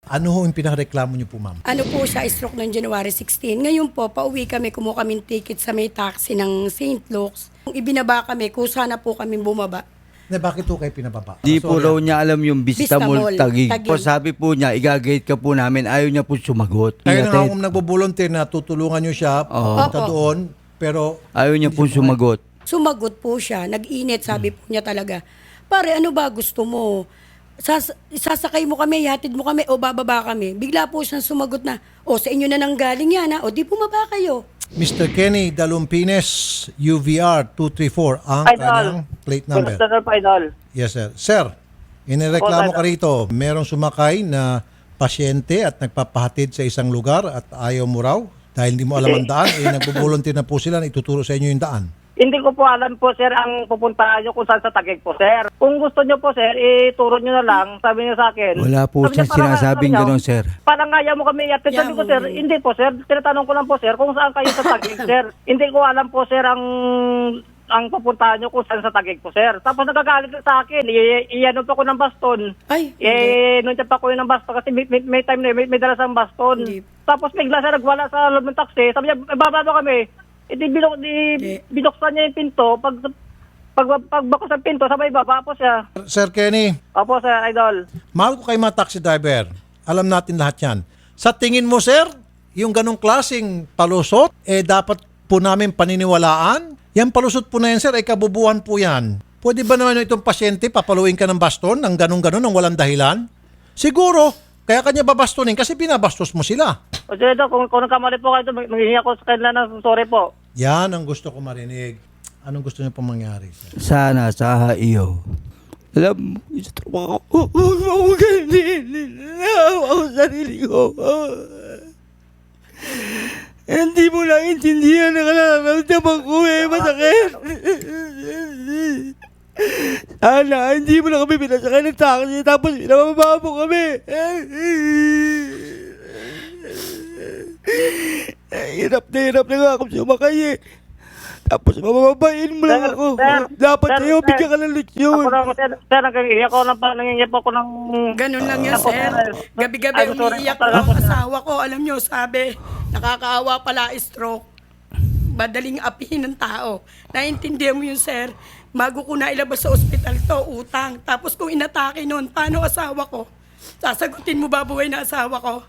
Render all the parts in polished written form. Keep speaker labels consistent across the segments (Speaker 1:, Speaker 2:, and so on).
Speaker 1: Ano ho yung pinakareklamo niyo po, ma'am?
Speaker 2: Ano po siya, stroke ng January 16. Ngayon po, pauwi kami, kumuha kami ticket sa may taxi ng St. Luke's. Kung ibinaba kami, kusa na po kami bumaba.
Speaker 1: Na bakit ho kayo pinababa?
Speaker 3: Di po
Speaker 1: Sorry,
Speaker 3: raw niya alam yung
Speaker 2: Vista
Speaker 3: Vistamol
Speaker 2: Mall,
Speaker 3: Taguig.
Speaker 2: Taguig.
Speaker 3: Po, sabi po niya, igagate ka po namin. Ayaw niya po sumagot.
Speaker 1: Kayo na nga
Speaker 3: Ihatid.
Speaker 1: kung nagbo-volunteer na tutulungan niyo siya papunta
Speaker 2: Opo.
Speaker 1: doon, pero
Speaker 3: Ayaw niya po sumagot.
Speaker 2: Sumagot po siya, nag-init, sabi po niya talaga. Pare, ano ba gusto mo? Sasakay mo kami, hatid mo kami, o bababa kami. Bigla po siyang sumagot na, o sa inyo na nang galing yan, ha? O di bumaba kayo.
Speaker 1: Mr. Kenny Dalumpines, UVR 234, ang
Speaker 4: Idol.
Speaker 1: kanyang plate number.
Speaker 4: Good afternoon po, Idol.
Speaker 1: Yes, sir. Sir, inireklamo ka rito. Merong sumakay na pasyente at nagpapahatid sa isang lugar at ayaw mo raw dahil hindi mo alam ang daan, nagbo-volunteer na po sila na ituturo sa inyo yung daan.
Speaker 4: Hindi ko po alam po, sir, ang pupuntahan nyo kung saan sa Taguig po, sir. Kung gusto nyo po, sir, ituro nyo na lang, sabi nyo sa akin.
Speaker 3: Wala po
Speaker 4: Sabi niya,
Speaker 3: siyang
Speaker 4: parang-
Speaker 3: sinasabing
Speaker 4: sabi niya,
Speaker 3: gano'n, sir.
Speaker 4: Parang ayaw mo kami iatid. Sabi ko, sir, hindi po, sir. Tinatanong ko lang po, sir, kung saan kayo sa Taguig, sir. Hindi ko alam po, sir, ang pupuntahan nyo kung saan sa Taguig po, sir. Tapos nagagalit ka sa akin. Iyanon pa ko ng baston.
Speaker 2: Ay,
Speaker 4: Nung pa ko yun ng baston kasi may time na may dala sa baston.
Speaker 2: Hindi.
Speaker 4: Tapos bigla siya nagwala sa loob ng taxi. Sabi niya, bababa kami. Binuksan niya yung pinto. Pagbakos ng pinto, sabay baba po siya.
Speaker 1: Sir Kenny,
Speaker 4: Opo, sir, Idol.
Speaker 1: mahal ko kayo mga taxi driver. Alam natin lahat yan. Sa tingin mo, sir, yung ganong klaseng palusot, dapat po namin paniniwalaan? Yan palusot po na yan, sir, ay kabubuhan po yan. Pwede ba naman itong pasyente, papaluin ka ng baston ng ganong-ganon, ng walang dahilan? Siguro, kaya kanya babastonin kasi binabastos mo sila.
Speaker 4: O, sir, kung nagkamali po kayo, maghihingi ako sa kanila ng sorry po.
Speaker 1: Yan ang gusto ko marinig. Anong gusto niyo pong mangyari, sir?
Speaker 3: Sana sa iyo. Alam mo, isa trabaho ko. Huwag mo ganyan. Naawa ko sa sarili ko. Hindi mo lang intindihan na nararamdaman ko masakit. Sana, hindi mo na kami pinasakay ng taxi tapos pinababa mo kami. Hirap na nga ako sumakay eh. Tapos mabababain mo lang
Speaker 4: Sir,
Speaker 3: ako.
Speaker 4: sir,
Speaker 3: Dapat
Speaker 4: sir,
Speaker 3: sa'yo,
Speaker 4: sir.
Speaker 3: bigyan ka ng leksyon.
Speaker 4: Ako lang, sir, nangingi po ako ng...
Speaker 2: ganun lang yan,
Speaker 4: Ako,
Speaker 2: sir.
Speaker 4: sir.
Speaker 2: Gabi-gabi
Speaker 4: I'm sorry
Speaker 2: umiiyak
Speaker 4: po talaga
Speaker 2: ang
Speaker 4: po, sir.
Speaker 2: asawa ko. Alam nyo, sabi, nakakaawa pala stroke. Madaling apihin ng tao. Naintindihan mo yun, sir. Bago ko na ilabas sa ospital to, utang. Tapos kung inatake nun, paano asawa ko? Sasagutin mo ba buhay na asawa ko?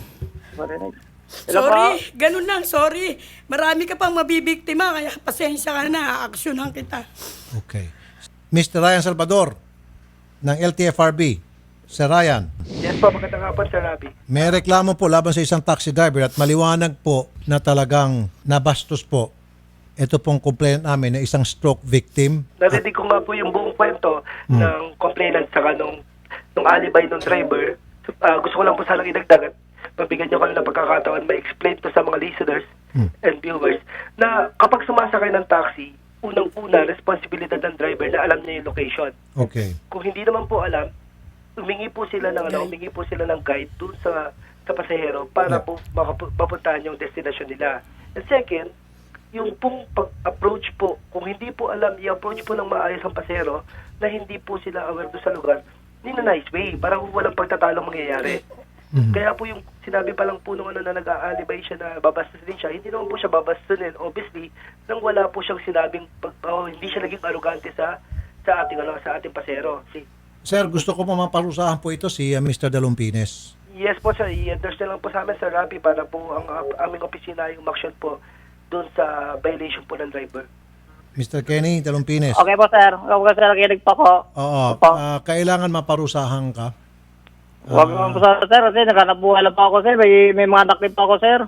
Speaker 4: Hello
Speaker 2: Sorry,
Speaker 4: po?
Speaker 2: ganun lang, sorry. Marami ka pang mabibiktima, kaya pasensya ka na, aaksyonan kita.
Speaker 1: Okay. Mr. Ryan Salvador ng LTFRB. Sir Ryan,
Speaker 5: Yes po, magandang hapon, Sir Rabi.
Speaker 1: may reklamo po laban sa isang taxi driver at maliwanag po na talagang nabastos po. Ito pong complaint namin na isang stroke victim.
Speaker 5: Narinig ko nga po yung buong kwento ng complainant saka nung alibay ng driver. Gusto ko lang po sanang idagdag at mabigyan niyo kami ng pagkakataon ma-explain to sa mga listeners and viewers na kapag sumasakay ng taxi, unang-una, responsibilidad ng driver na alam niya yung location.
Speaker 1: Okay.
Speaker 5: Kung hindi naman po alam, humingi po sila ng guide dun sa pasahero para po mapuntahan yung destination nila. And second, yung pong pag-approach po, kung hindi po alam, i-approach po ng maayos ang pasahero na hindi po sila aware doon sa lugar, in a nice way, parang walang pagtatalong mangyayari. Kaya po yung sinabi pa lang po nung na nag-aalibay siya na babastos din siya, hindi naman po siya babastunin, obviously, nang wala po siyang sinabing, hindi siya naging arugante sa ating pasahero.
Speaker 1: Sir, gusto ko po maparusahan po ito si Mr. Dalumpines.
Speaker 5: Yes po, sir. I-understand lang po sa amin, Sir Rapi, para po ang aming opisina yung action po doon sa violation po ng driver.
Speaker 1: Mr. Kenny Dalumpines.
Speaker 4: Okay po, sir. Okay, sir, nakinig po ko.
Speaker 1: Oo.
Speaker 4: Opo.
Speaker 1: Kailangan maparusahan ka.
Speaker 4: Huwag naman po, sir, kasi naghanap-buhay lang po ako, sir. May mga anak din po ako, sir.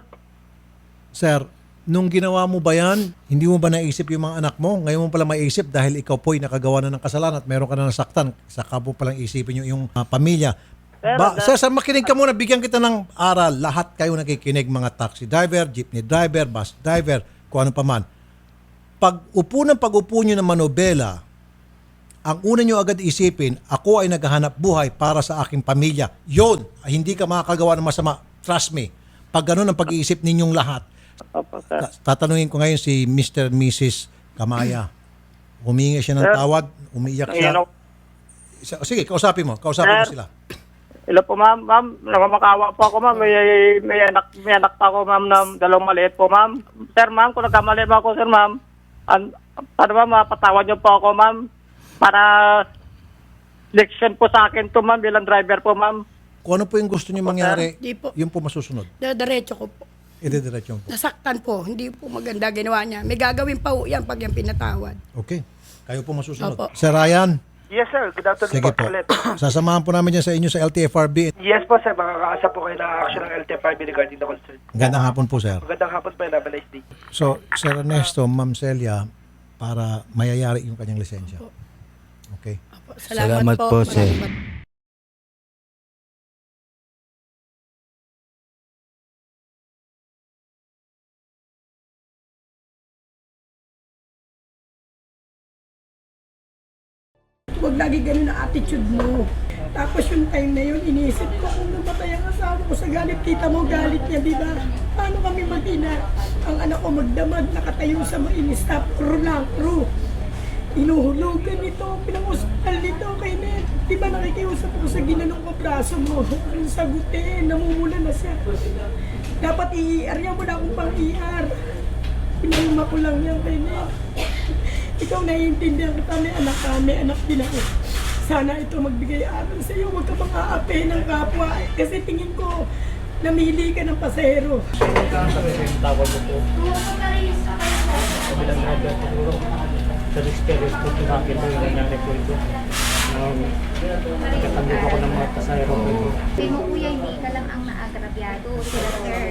Speaker 1: Sir, nung ginawa mo ba yan, hindi mo ba naisip yung mga anak mo? Ngayon mo pala maisip dahil ikaw po'y nakagawa na ng kasalanan at meron ka na nasaktan. Saka mo palang isipin yung pamilya. Sir, makinig ka muna. Bigyan kita ng aral. Lahat kayo nakikinig, mga taxi driver, jeepney driver, bus driver, kung ano pa man. Pag-upo nyo ng manobela, ang una nyo agad isipin, ako ay naghahanap buhay para sa aking pamilya. Yun, hindi ka makakagawa ng masama. Trust me. Pag ganun ang pag-iisip ninyong lahat,
Speaker 4: Opo, sir.
Speaker 1: tatanungin ko ngayon si Mr. and Mrs. Kamaya. Humingi siya ng tawad, umiiyak siya. Sige, kausapin mo sila.
Speaker 4: Hello po, ma'am. Ma'am, namamakawa po ako, ma'am. May anak pa ako, ma'am, na dalawang maliit po, ma'am. Sir, ma'am, kung nagkamali ba ako, sir, ma'am, paano ba mapatawad niyo po ako, ma'am? Para leksyon po sa akin to, ma'am, bilang driver po, ma'am.
Speaker 1: Kung ano po yung gusto niyo mangyari,
Speaker 2: Di po.
Speaker 1: yun po masusunod.
Speaker 2: Diretso ko po.
Speaker 1: Idediretso po.
Speaker 2: Nasaktan po, hindi po maganda ginawa niya. May gagawin pa po yan pag yan pinatawad.
Speaker 1: Okay. Kayo po masusunod.
Speaker 2: Opo.
Speaker 1: Sir Ryan,
Speaker 5: Yes, sir. Good afternoon
Speaker 1: sige po.
Speaker 5: ulit.
Speaker 1: Sasamahan po namin dyan sa inyo sa LTFRB.
Speaker 5: Yes po, sir. Makakaasa po kayo ng action ng LTFRB regarding the concern.
Speaker 1: Gandang hapon po, sir.
Speaker 5: Magandang hapon po and have a nice day.
Speaker 1: So, Sir Ernesto, Ma'am Celia, para mayayari yung kanyang lisensya. Okay.
Speaker 2: Opo,
Speaker 3: Salamat po, sir.
Speaker 2: Maraming Huwag lagi ganun ang attitude mo. Tapos yung time na yun, iniisip ko kung namatay ang asawa ko sa galit. Kita mo, galit niya, di ba? Paano kami mag-ina? Ang anak ko magdamag, nakatayo sa mainis. Stop, crew lang, crew. Inuhulugan nito, pinang-hospital nito kay Ned. Di ba nakikiusap ako sa ginanong ko braso mo? Yung sagutin, namumula na siya. Dapat i-ER niya mo na akong pang-ER. Pinaluma ko lang yan kay Ned. Ikaw naiintindihan kita, may anak din ako. Sana ito magbigay aral sa iyo, huwag ka bang aape ng kapwa. Kasi tingin ko, namili ka ng pasahero.
Speaker 6: Sa experience ko, pinakit ko yung nangyari po ito. Nagkatanggap ako ng mga pasahero ko ito.
Speaker 7: Sabi mo, kuya, hindi ka lang ang naagrabyado. Sila, sir.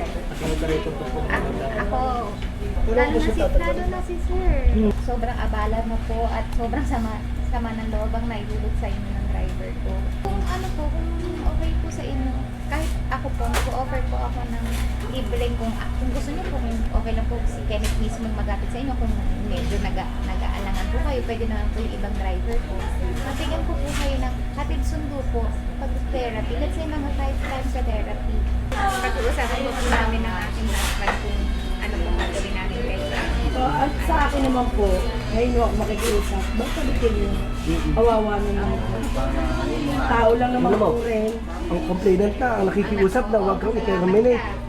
Speaker 7: Ako, lalo na si sir. Sobrang abala na po at sobrang sama ng loob ang naihulog sa inyo ng driver ko. Kung kung okay po sa inyo, kahit ako po, mag-offer po ako ng libreng kung gusto niyo po, kung okay lang po si Kenneth mismo magapit sa inyo, kung medyo nag-aalangan po kayo, pwede naman po yung ibang driver po. Mabigyan po kayo ng hatid sundo po pag therapy. Let's say mga 5 times sa therapy. Pag-uusapan po namin ng aking husband kung ano po gagawin namin kayo.
Speaker 2: So, at sa akin naman po, ngayon ako makikiusap. Basta kayo, awawa naman ako. Tao lang naman po rin.
Speaker 8: Ang complainant na, ang nakikiusap na huwag kang i-terminate.